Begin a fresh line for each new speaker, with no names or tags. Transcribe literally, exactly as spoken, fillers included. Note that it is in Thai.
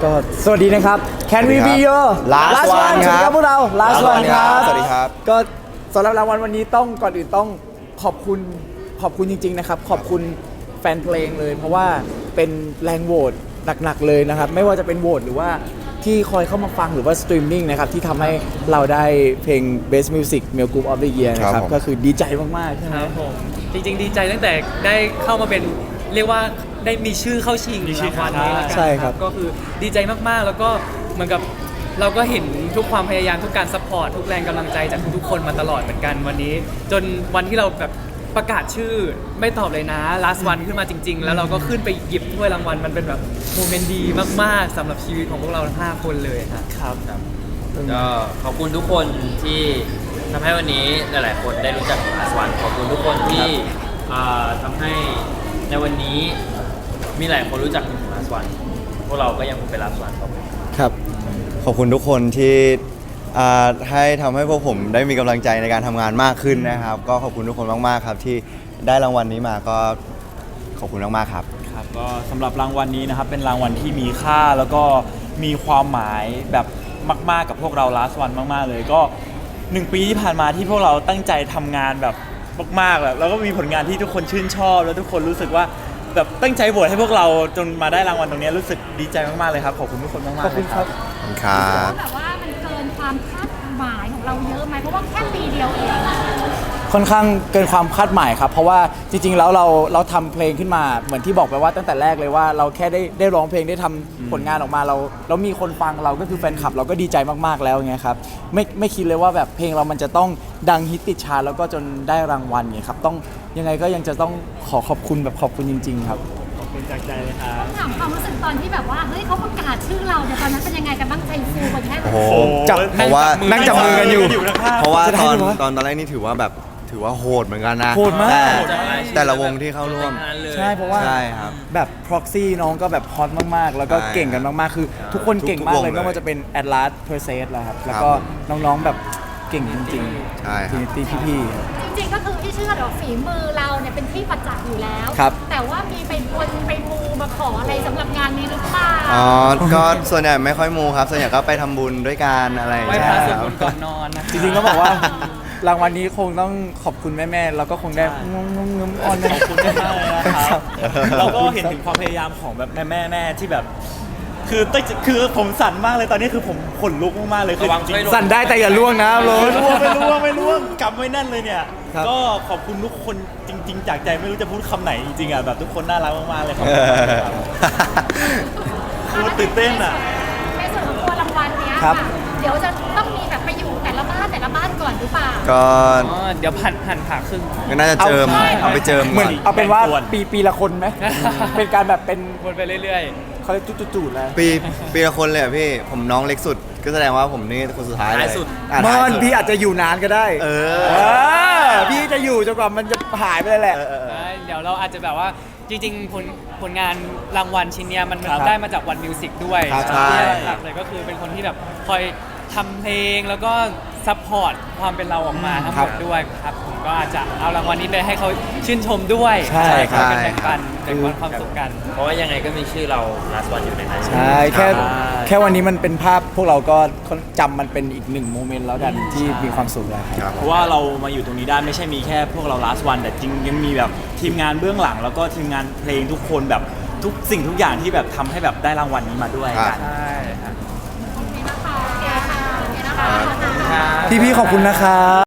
ก็สวัสดีนะครับ Can we be your
last one
สวัสดีครับพวกเรา last
last
one
one
ครับ
สวัสดีครับ
ก็สำหรับรางวัลวันนี้ต้องก่อนอื่นต้องขอบคุณขอบคุณจริงๆนะครับขอบคุณแฟนเพลงเลย เพราะว่าเป็นแรงโหวตหนักๆเลยนะครับไม่ว่าจะเป็นโหวตหรือว่าที่คอยเข้ามาฟังหรือว่าสตรีมมิ่งนะครับที่ทำให้เราได้เพลง Best Music Male Group of the Year นะครับก็คือดีใจมากๆใช่ไหม
ครับผมจริงๆดีใจตั้งแต่ได้เข้ามาเป็นเรียกว่าได้มีชื่อเข้าชิงรางวัลนี้แล้วกัน
ใช่ครับ
ก็คือดีใจมากๆแล้วก็เหมือนกับเราก็เห็นทุกความพยายามทุกการซัพพอร์ตทุกแรงกำลังใจจากทุกๆคนมาตลอดเหมือนกันวันนี้ จนวันที่เราแบบประกาศชื่อไม่ตอบเลยนะ last one ขึ้นมาจริงๆแล้วเราก็ขึ้นไปหยิบถ้วยรางวัลมันเป็นแบบโมเมนต์ดีมากๆสำหรับชีวิตของพวกเราทั้งห้าคนเลยครับครับ
ก็ขอบคุณทุกคนที่ทำให้วันนี้หลาย ๆ คนได้รู้จักลาสวันขอบคุณทุกคนที่อ่าทำให้ในวันนี้มีหลายคนรู้จักลาสวันพวกเราก็ยังคงเป็นลาสวันต่อไป
ครับ
ขอบคุณทุกคนที่อ่าให้ทำให้พวกผมได้มีกำลังใจในการทำงานมากขึ้นนะครับ ก็ขอบคุณทุกคนมากๆครับที่ได้รางวัลนี้มาก็ขอบคุณมากๆครับ
ครับก็สำหรับรางวัลนี้นะครับเป็นรางวัลที่มีค่าแล้วก็มีความหมายแบบมากๆกับพวกเรา last one มากๆเลยก็หนึ่งปีที่ผ่านมาที่พวกเราตั้งใจทำงานแบบมากๆแบบแล้วก็มีผลงานที่ทุกคนชื่นชอบแล้วทุกคนรู้สึกว่าแบบตั้งใจโหวตให้พวกเราจนมาได้รางวัลตรงนี้รู้สึกดีใจมากๆเลยครับขอบคุณทุกคนมากๆ
ขอบคุณครับ
ขอบคุณครับ
แบบว่ามันเกินความคาดหมายของเราเยอะไหมเพราะว่าแค่ปีเดียวเอง
ค่อนข้างเกินความคาดหมายครับเพราะว่าจริงๆแล้วเราเราทำเพลงขึ้นมาเหมือนที่บอกไปว่าตั้งแต่แรกเลยว่าเราแค่ได้ได้ร้องเพลงได้ทำผลงานออกมาเราแล้วมีคนฟังเราก็คือแฟนคลับเราก็ดีใจมากๆแล้วไงครับไม่ไม่คิดเลยว่าแบบเพลงเรามันจะต้องดังฮิตติดชาร์ตแล้วก็จนได้รางวัลเนี่ยครับต้องยังไงก็ยังจะต้องขอขอบคุณแบบขอบคุณจริงๆครับ
ขอบคุณจากใจเลยครับ
ต้องถามความรู้สึกตอนที่แบบว่าเฮ้ยเขาประกาศชื่อเราเนี่ยตอนนั้นเป็นยังไงกันบ้างใจฟูกันแค่ไหน
โอ้โห
จับ
เพราะว่า
นั่งจับมือกันอยู่
เพราะว่า
จะได้
ตอน
ไหมวะ
ตอนตอนแรกนี่ถือว่าแบบถือว่าโหดเหมือนกันนะ
โหดมาก
แต่
โหดมาก
แต่ละวงที่เข้าร่วม
ใช่เพราะว่า
ใช่ครับ
แบบ proxy น้องก็แบบฮอตมากๆ แล้วก็
ใช่
เก่งกันมากๆ คือทุกคนเก่งมากเลย
ทุกๆวงเลย
ไม่ว่าจะเป็น Atlas p e r s e s แล้วครับ แล้วก็
ครับ
น้องๆแบบเก่งจริงๆ
ใช่ครับ
Trinity พี่ๆ
จริงๆก็คือที่เชื่อเดี๋ยวฝีมือเราเนี่ยเป็นที่ประจักษ์อยู่แล้ว
ครับ
แต่ว่ามีไปบนไปมูมาขออะไรสำหรับงานนี้หรือเปล่า
อ๋อ ก็ส่วนใหญ่ไม่ค่อยมูครับ ส่วนใหญ่ก็ไปทำบุญด้วยกันอะไรอย่าง
ไหว้
เงี้ย
พระสวด
ค
ม
รับ
นต์ก่อนนอนนะ
จริงๆก็บอกว่า รางวัลนี้คงต้องขอบคุณแม่ๆ แล้วก็คงได้งงงงๆออน
ขอบคุณมากเลยนะครับเราก็เห็นถึงความพยายามของแบบแม่แม่แม่ที่แบบ คือตั้งคือผมสั่นมากเลยตอนนี้คือผมขนลุกมากๆเลยคือ
ระวัง
จริ
ช่วย
ง
ลง
สั่นได้แต่อย่าล่วงนะโร
ไม่
น
ร่วงไม่ร่วงไม่ร่วงกำไว้แน่นเลยเนี่ย
ครับ
ก็ขอบคุณทุกคนจริง ๆ จากใจไม่รู้จะพูดคำไหนจริงๆอ่ะแบบทุกคนน่ารักมากๆเลยครับคือตื่นเต้นอ่ะ
ในส่วนของตัวรางวัลเนี้ย
ครั
ค่ะ
บ
เดี๋ยวจะต้องมีแบบไปอยู่แต่ละบ้านแต่ละบ้านก่อนหรือเปล่า
ก็
อ๋อเดี๋ยวผันหันผ่าครึ่ง
ก็น่าจะเจิม
เอา
เอาไปเจิม
เหมือน
ก่อน
เอาเป็นว่า
แบ่งส่วน
ปีปีละคนไหม เป็นการแบบเป็น
วนไปเรื่อย
เขาเรียกจุดๆๆเลย
ปีปีละคนเลยเหรอพี่ ผมน้องเล็กสุด ก็แสดงว่าผมนี่คนสุดท้ายเลย
ท้ายสุด
อ่ะ
ม
ท้าย
อน
สุด
พี่อาจจะอยู่นานก็ได้
เออ
เออพี่จะอยู่จนกว่ามันจะหายไปเลยแหละ
เออเออ
ๆ
เออ
ใช่เดี๋ยวเราอาจจะแบบว่าจริง ๆ ผลผลงานรางวัลชิ้นเนี้ยมัน
ครับ
ได้มาจากวันมิวสิกด้วย
ครับ
ใช่
หลักเลยก็คือเป็นคนที่แบบคอยทำเพลงแล้วก็ซัพพอร์ตความเป็นเราออกมาทั้งหมดด้วยครับผมก็อาจจะเอารางวัลนี้ไปให้เขาชื่นชมด้วย
ใช่ครับ
เป็นแบ่งปันแบ่งปันความสุขกัน
เพราะว่ายังไงก็มีชื่อเราลาสวันอยู่ในนั้น
ใช่แค่
ใช่
แค่วันนี้มันเป็นภาพพวกเราก็จำมันเป็นอีกหนึ่งโมเมนต์แล้วกันที่มีความสุขแล้วครับ
ครับ
เพราะว่าเรามาอยู่ตรงนี้ได้ไม่ใช่มีแค่พวกเรา last one แต่จริงยังมีแบบทีมงานเบื้องหลัง แล้วก็ทีมงานเพลงทุกคนแบบทุกสิ่งทุกอย่างที่แบบทำให้แบบได้รางวัลนี้มาด้วย
ครั
กับ น
ใช่ครับ
โอเคนะคะโอเคค่ะโอเคนะคะ
พี่ๆขอบคุณนะครับ